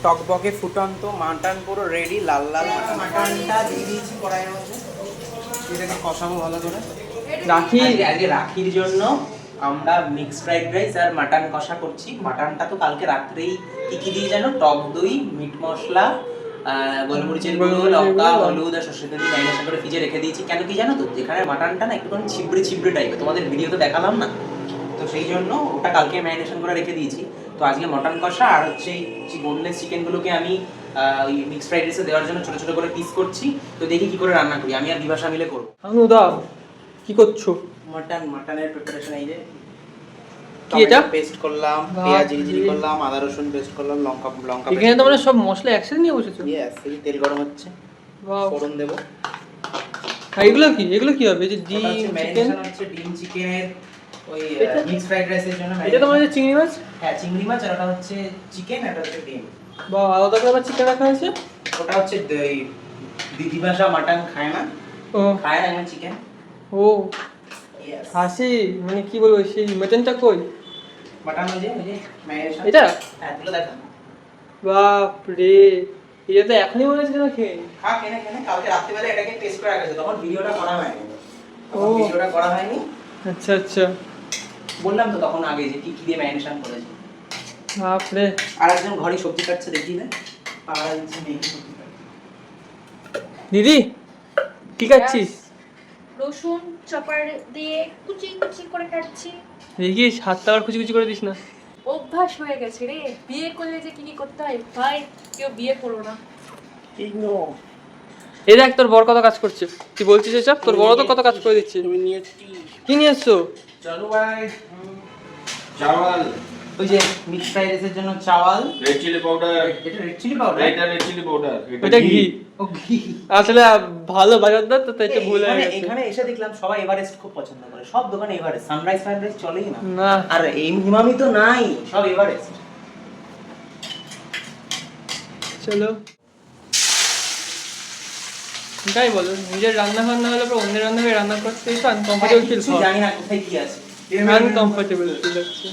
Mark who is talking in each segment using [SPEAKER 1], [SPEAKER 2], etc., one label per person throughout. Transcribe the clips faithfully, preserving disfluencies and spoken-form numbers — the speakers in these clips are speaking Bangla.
[SPEAKER 1] টকবকে ফুটন্ত মাটন পুরো রেডি, লাল লাল মাটন। মাটনটা দিয়ে দিয়েছি কড়াইয়ের মধ্যে, এটাকে কষাবো ভালো করে। রাখি আগে রাখির জন্য আমরা মিক্সড ফ্রাইড রাইস আর মাটন কষা করছি। মাটনটা তো কালকে রাত্রেই কি কি দিয়ে জানো, টক দই, মিট মশলা, গোলমরিচের গুঁড়ো, লঙ্কা, হলুদ আর সরষের তেল দিয়ে ম্যারিনেশন করে ফ্রিজে রেখে দিয়েছি। কেন কি জানো তো, যেখানে মাটনটা না একটুখানি ছিবড়ে ছিবড়ে টাইপের, তোমাদের ভিডিও তো দেখালাম না, তো সেই জন্য ওটা কালকে ম্যারিনেশন করে রেখে দিয়েছি। তো আজকে মটন কষা আর হচ্ছে এই বোনলেস চিকেনগুলোকে আমি ওই মিক্সড ফ্রাইড রাইসে দেওয়ার জন্য ছোট ছোট করে পিস করছি। তো দেখি কি করে রান্না করি, আমি আর বিভাসা মিলে করবো।
[SPEAKER 2] অনুদা কি করছো?
[SPEAKER 1] মটন মটনের প্রিপারেশন এই যে,
[SPEAKER 2] কি এটা
[SPEAKER 1] পেস্ট করলাম, পেঁয়াজ জিরি করলাম, আদা রসুন পেস্ট করলাম, লঙ্কা লঙ্কা
[SPEAKER 2] এখানে তো মানে সব মশলা একসাথে নিয়ে বসেছো?
[SPEAKER 1] ইয়েস, এই তেল গরম হচ্ছে,
[SPEAKER 2] ওয়াও,
[SPEAKER 1] ফোড়ন দেব।
[SPEAKER 2] আর এগুলো কি, এগুলো কি হবে? এই যে ডিম চিকেন
[SPEAKER 1] হচ্ছে ডিম চিকেনের ওই মিক্স ফ্রাইড রাইসের জন্য।
[SPEAKER 2] এটা তো মানে চিংড়ি মাছ?
[SPEAKER 1] হ্যাঁ চিংড়ি মাছ, আর ওটা হচ্ছে চিকেন, এটা হচ্ছে ডিম।
[SPEAKER 2] বা আলাদা করে আবার চিকেন রাখা হয়েছে?
[SPEAKER 1] ওটা হচ্ছে দিদি ভাষা মাটন খায় না,
[SPEAKER 2] ও
[SPEAKER 1] খায় না এমন চিকেন।
[SPEAKER 2] ও হাসি, মানে কি বলবো, সেই মাটনটা কই?
[SPEAKER 1] মাটন ওই যে ওই যে ম্যারিনেশন,
[SPEAKER 2] এটা
[SPEAKER 1] হ্যাঁ এগুলো দেখো।
[SPEAKER 2] বাপ রে, এটা তো এখনই মনে হচ্ছে না খেয়ে।
[SPEAKER 1] খা, কেনে কেনে কালকে রাত্রিবেলা এটাকে টেস্ট করে রাখা, তখন ভিডিওটা করা হয়নি,
[SPEAKER 2] ও
[SPEAKER 1] তখন ভিডিওটা করা হয়নি।
[SPEAKER 2] আচ্ছা আচ্ছা,
[SPEAKER 1] বললাম তো তখন আগে যে কি কি দিয়ে ম্যারিনেশন করেছি।
[SPEAKER 2] বাপ রে,
[SPEAKER 1] আর একজন ঘরে সবজি কাটছে, দেখি না পাড়া দিচ্ছে মেয়ে সবজি কাটছে।
[SPEAKER 2] দিদি কি কাটছিস?
[SPEAKER 3] রসুন চপার দিয়ে কুচি কুচি করে কাটছি।
[SPEAKER 2] দেখিস হাতটা আবার কুচি কুচি করে দিস না।
[SPEAKER 3] অভ্যাস হয়ে গেছে রে, বিয়ে করলে যে কি কি করতে হয় ভাই, কেউ বিয়ে করো না।
[SPEAKER 2] এই দেখ তোর বড় কত কাজ করছে, তুই বলছিস এসব, তোর বড় তো কত কাজ করে দিচ্ছে।
[SPEAKER 1] তুমি নিয়ে এসছি,
[SPEAKER 2] কি নিয়ে এসছো?
[SPEAKER 1] চলো ভাই, চাওয়াল, ওই যে মিক্স ফ্রাইড রাইসের জন্য চাওয়াল,
[SPEAKER 4] রেড চিলি পাউডার,
[SPEAKER 1] এটা রেড চিলি পাউডার,
[SPEAKER 4] এটা রেড চিলি পাউডার,
[SPEAKER 2] এটা ঘি।
[SPEAKER 1] ও ঘি।
[SPEAKER 2] আসলে ভালো বাজারদার তো, তাই একটু ভুল হয়ে
[SPEAKER 1] এখানে
[SPEAKER 2] গেছে।
[SPEAKER 1] এখানে এসে দেখলাম সবাই এভারেস্ট খুব পছন্দ করে, সব দোকানে এভারেস্ট, সানরাইজ সানরাইজ চলেই না।
[SPEAKER 2] না
[SPEAKER 1] আর এই মিমামি তো নাই, সব এভারেস্ট।
[SPEAKER 2] চলো, তাই বলো, নিজের রান্না বান্না হলে পর অন্যের রান্না রান্না করতে একটু আনকমফোর্টেবল ফিল হয়।
[SPEAKER 1] জানি না কোথায় কি আছে,
[SPEAKER 2] আনকমফোর্টেবল ফিল হচ্ছে।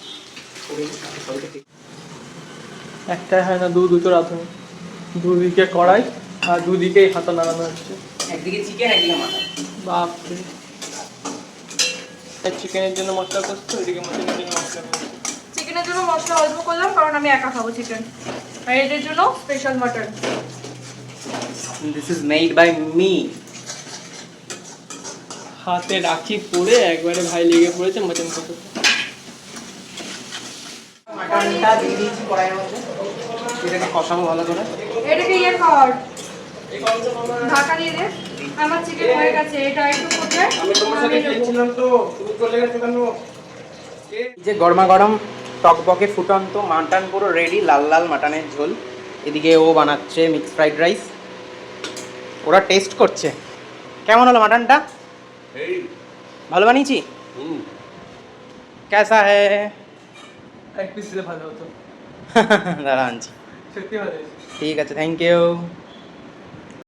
[SPEAKER 2] একটাই হয় না, দু দুটো রাঁধুনি, দুদিকে কড়াই আর দুদিকে হাতা নাড়ানো হচ্ছে।
[SPEAKER 1] একদিকে চিকেন একদিকে মাটন।
[SPEAKER 2] বাপ রে, চিকেনের জন্য মশলা করছে, ওইদিকে মাটনের জন্য মশলা করছে।
[SPEAKER 3] চিকেনের জন্য মশলা অল্প করলাম কারণ আমি একা খাবো চিকেন, আর এটার জন্য special mutton.
[SPEAKER 1] This is made by me.
[SPEAKER 2] হাতে রাখি পরে একবারে ভাই লেগে পড়েছে মাটন করতে।
[SPEAKER 1] মাটনটা দিয়ে দিয়েছি কড়াইয়ের মধ্যে, এটাকে কষাবো ভালো করে।
[SPEAKER 3] এটাকে ইয়ে কর, ঢাকা দিয়ে দে। আমার চিকেন হয়ে গেছে, এটা একটু করতে
[SPEAKER 4] আমি তোমার সাথে খেয়েছিলাম তো, তুমি চলে গেছো কেন?
[SPEAKER 1] এই যে গরমা গরম টকবকে ফুটন্ত মাটন পুরো রেডি, লাল লাল মাটনের ঝোল। এদিকে ও বানাচ্ছে মিক্স ফ্রাইড রাইস, ওরা টেস্ট করছে কেমন হলো মাটনটা।
[SPEAKER 4] এই
[SPEAKER 1] ভালো বানিয়েছি?
[SPEAKER 4] হুম,
[SPEAKER 1] কেসা হে?
[SPEAKER 2] এক পিস দিলে ভালো হতো,
[SPEAKER 1] দাঁড়া আনছি।
[SPEAKER 2] সত্যি ভালো হয়েছে।
[SPEAKER 1] ঠিক আছে, থ্যাংক ইউ।